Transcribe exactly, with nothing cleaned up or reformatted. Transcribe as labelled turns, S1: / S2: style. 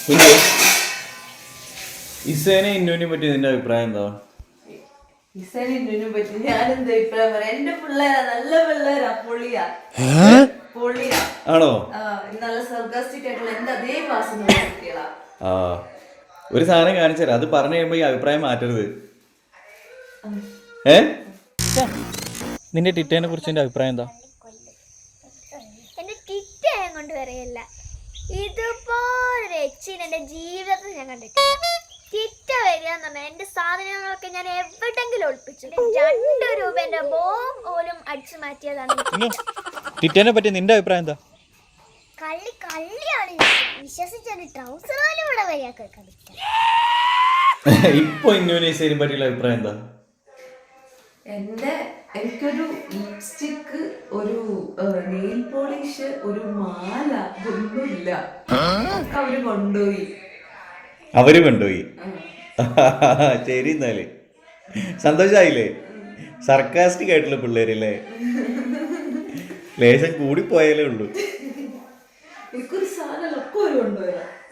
S1: കുഞ്ഞു ഇസേനെ ഇന്നുവിനെ പറ്റി നിന്റെ അഭിപ്രായം എന്താ?
S2: ഇസേനെ ഇന്നുവിനെ പറ്റി ഞാനെന്താ അഭിപ്രായം പറയാം? എന്റെ പിള്ളേരാ, നല്ല പിള്ളേരാ, പൊളിയാ പൊളിയാ.
S1: ആണോ?
S2: നല്ല സർഗാസ്റ്റിക് ആയിട്ടുള്ള എന്റെ അതേ ക്ലാസ്സിലുള്ള കുട്ടികളാ.
S1: ആ ഒരു സാധനം കാണിച്ചാൽ അത് പറഞ്ഞു കഴിയുമ്പോ ഈ അഭിപ്രായം മാറ്റരുത്. ഏ നിന്റെ ടിറ്റേനെ കുറിച്ച് എന്റെ അഭിപ്രായം എന്താ?
S3: എന്റെ ടിറ്റയെ കൊണ്ട് വരെയല്ല, ഇതുപോലെ എന്റെ ജീവിതത്തിൽ ഞാൻ കണ്ടിട്ടില്ല. ടിറ്റ വരിക എന്ന് പറഞ്ഞാൽ എന്റെ സാധനങ്ങളൊക്കെ ഞാൻ എവിടെങ്കിലും ഒളിപ്പിച്ചു. രണ്ട് രൂപന്റെ ബോം പോലും അടിച്ചു മാറ്റിയതാണ്.
S1: ടിറ്റേനെ പറ്റി നിന്റെ അഭിപ്രായം എന്താ?
S3: കള്ളി കള്ളിയാണ്, വിശ്വസിച്ചാൽ ട്രൗസർ പോലും ഇവിടെ വരിക.
S1: ഇപ്പൊ ഇന്നോനേശ്വരിയെ പറ്റിയുള്ള അഭിപ്രായം എന്താ?
S2: എന്റെ എനിക്കൊരു ലിപ്സ്റ്റിക്ക്, ഒരു നെയിൽ പോളിഷ്, ഒരു മാല ഒന്നുമില്ല. അവര് കൊണ്ടുപോയി
S1: അവര് കൊണ്ടുപോയി ശരി, എന്നാല് സന്തോഷായില്ലേ? സർക്കാസ്റ്റിക് ആയിട്ടുള്ള പിള്ളേരല്ലേ? ലേശം കൂടി പോയാലേ ഉള്ളൂ.
S2: എനിക്കൊരു സാധനം ഒക്കെ ഒരു കൊണ്ടുപോയാ.